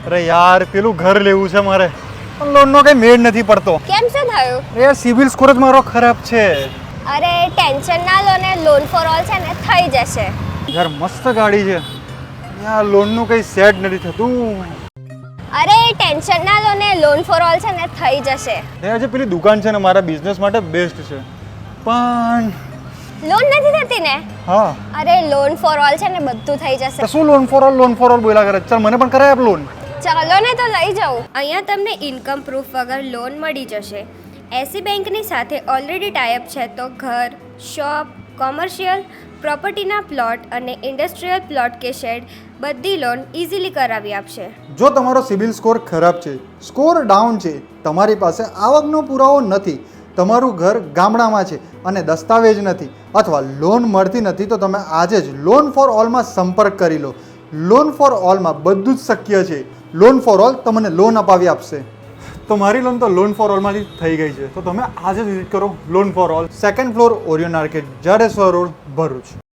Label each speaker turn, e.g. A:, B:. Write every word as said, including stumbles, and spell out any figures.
A: અરે યાર પેલું ઘર લેવું છે મારે પણ લોનનો કઈ મેળ નથી પડતો.
B: કેમ શું થયું?
A: અરે સિવિલ સ્કોર જ મારો ખરાબ છે.
B: અરે ટેન્શન ના લો ને, લોન ફોર ઓલ છે ને થઈ જશે.
A: યાર મસ્ત ગાડી છે યાર, લોનનું કઈ સેટ નથી થતું.
B: અરે ટેન્શન ના લો ને, લોન ફોર ઓલ છે ને થઈ જશે.
A: એ જે પેલી દુકાન છે ને મારા બિઝનેસ માટે બેસ્ટ છે પણ
B: લોન નથી થતી ને?
A: હા.
B: અરે લોન ફોર ઓલ છે ને બધું થઈ જશે.
A: તો શું loan for all loan for all બોલ્યા કરે? ચાલ મને પણ કરાય આપ લોન.
B: ચાલો ને તો લઈ જાઉં. અહીંયા તમને ઇન્કમ પ્રૂફ વગર લોન મળી જશે. એસી બેંકની સાથે ઓલરેડી ટાઈઅપ છે તો ઘર, શોપ, કોમર્શિયલ, પ્રોપર્ટીના પ્લોટ અને ઇન્ડસ્ટ્રીયલ પ્લોટ કે શેડ બધી લોન ઇઝીલી કરાવી આપશે.
A: જો તમારો સિબિલ સ્કોર ખરાબ છે, સ્કોર ડાઉન છે, તમારી પાસે આવકનો પુરાવો નથી, તમારું ઘર ગામડામાં છે અને દસ્તાવેજ નથી અથવા લોન મળતી નથી તો તમે આજે જ લોન ફોર ઓલમાં સંપર્ક કરી લો. લોન ફોર ઓલમાં બધું જ શક્ય છે. લોન ફોર ઓલ તમને લોન અપાવી આપશે. તો મારી લોન તો લોન ફોર ઓલમાંથી થઈ ગઈ છે, તો તમે આજે જ વિઝિટ કરો loan for all, second floor Orion Arcade, Jadeshwar road, Bharuch.